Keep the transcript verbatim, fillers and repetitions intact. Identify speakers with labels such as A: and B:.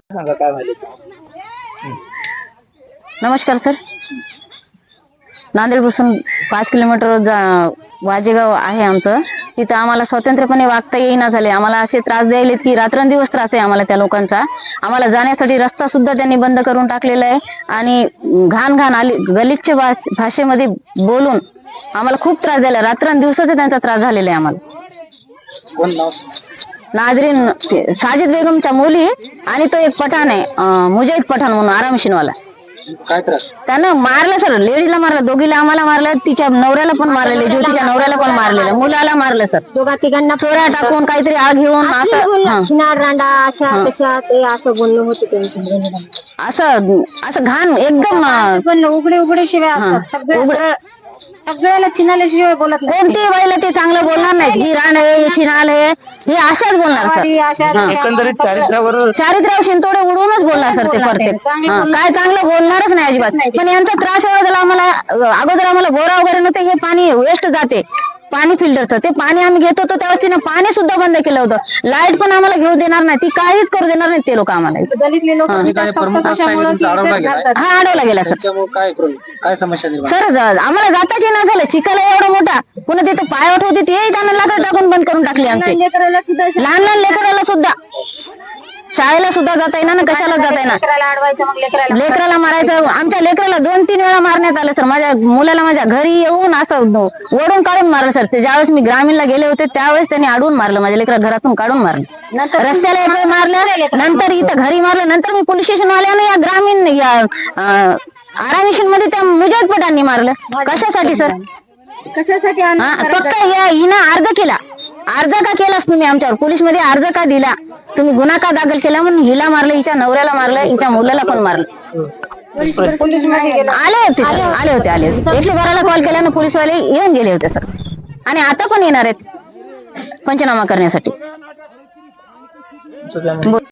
A: सांगा काय झाले.
B: नमस्कार सर. नांदेड पासून पाच किलोमीटर वाजेगाव आहे आमचं. तिथं आम्हाला स्वतंत्रपणे वागता येईना झाले. आम्हाला असे त्रास द्यायले की रात्रंदिवस त्रास आहे आम्हाला त्या लोकांचा. आम्हाला जाण्यासाठी रस्ता सुद्धा त्यांनी बंद करून टाकलेला आहे आणि घाण घाण आली गलिच्छ भाषेमध्ये बोलून आम्हाला खूप त्रास दिला. रात्रंदिवसाचा त्यांचा त्रास झालेला आहे आम्हाला.
A: कोण नाव?
B: नाजरीन साजिद बेगमच्या मुली आणि तो एक पठाण आहे मुजाहिद पठाण म्हणून आरामशीनवाला.
A: काय त्रास?
B: त्यानं मारलं सर. लेडीला मारलं, दोघीला आम्हाला मारलं, तिच्या नवऱ्याला पण मारलेले, ज्योतीच्या नवऱ्याला पण मारलेलं, मुलाला मारलं सर.
C: दोघा तिघांना
B: चोऱ्या टाकून काहीतरी आग घेऊन
C: शिनार रांडा अशा तशा ते असं बोलणं होतं त्यांचं.
B: असं असं घाण एकदम
C: पण उघडे उघडे शिवाय असतात. सगळे सगळ्याला चिनाल्याशिवाय बोलत नाही.
B: कोणती बाईला ते चांगलं बोलणार नाही. ही राण आहे, ही चिनाल आहे, हे अशाच बोलणार सर.
A: एकंदरीत चारित्र्यावर
B: चारित्र्यावर शिंतोडे उडवूनच बोलणार सर ते प्रत्येक. काय चांगलं बोलणारच नाही अजिबात. पण यांचा त्रास एवढा झाला आम्हाला. अगोदर आम्हाला बोरा वगैरे नव्हते, हे पाणी वेस्ट जाते पाणी फिल्टरचं. ते पाणी आम्ही घेत होतो तेव्हा तिने पाणी सुद्धा बंद केलं होतं. लाईट पण आम्हाला घेऊ देणार नाही, ती काहीच करू देणार नाही ते लोक आम्हाला.
C: दलितले लोक
B: हा अडवला गेला सर.
A: काय काय समस्या निर्माण?
B: सर आम्हाला जाताच नाही झालं. चिकाला एवढा मोठा पुन्हा तिथं पायवट होती ते त्यांना लाकड टाकून बंद करून टाकली आमची. लहान लहान लेकराला सुद्धा शाळेला सुद्धा जाता येईना ना, कशाला जाता येईना. लेकराला मारायचं. आमच्या लेकराला दोन तीन वेळा मारण्यात आलं सर. माझ्या मुलाला माझ्या घरी येऊन असं ओढून काढून मारलं सर. ते ज्यावेळेस मी ग्रामीणला गेले होते त्यावेळेस त्यांनी अडवून मारलं. माझ्या लेकरा घरातून काढून मारलं. नंतर रस्त्याला एक मारलं, नंतर इथं घरी मारलं. नंतर मी पोलीस स्टेशन वाल्याने या ग्रामीण या आरामिशन मध्ये त्या मुजाहिद पठाणनी मारलं. कशासाठी सर?
C: कशासाठी?
B: फक्त हिनं अर्ज केला. अर्ज का केलास तुम्ही आमच्यावर? पोलीस मध्ये अर्ज का दिला तुम्ही? गुन्हा का दाखल केला म्हणून हिला मारलं, हिच्या नवऱ्याला मारलं, हिच्या मुलाला पण मारलं.
C: पोलीस मध्ये
B: आले होते आले होते आले होते एकशे बाराला कॉल केल्यानं पोलीसवाले येऊन गेले होते सर. आणि आता पण येणार आहेत पंचनामा करण्यासाठी.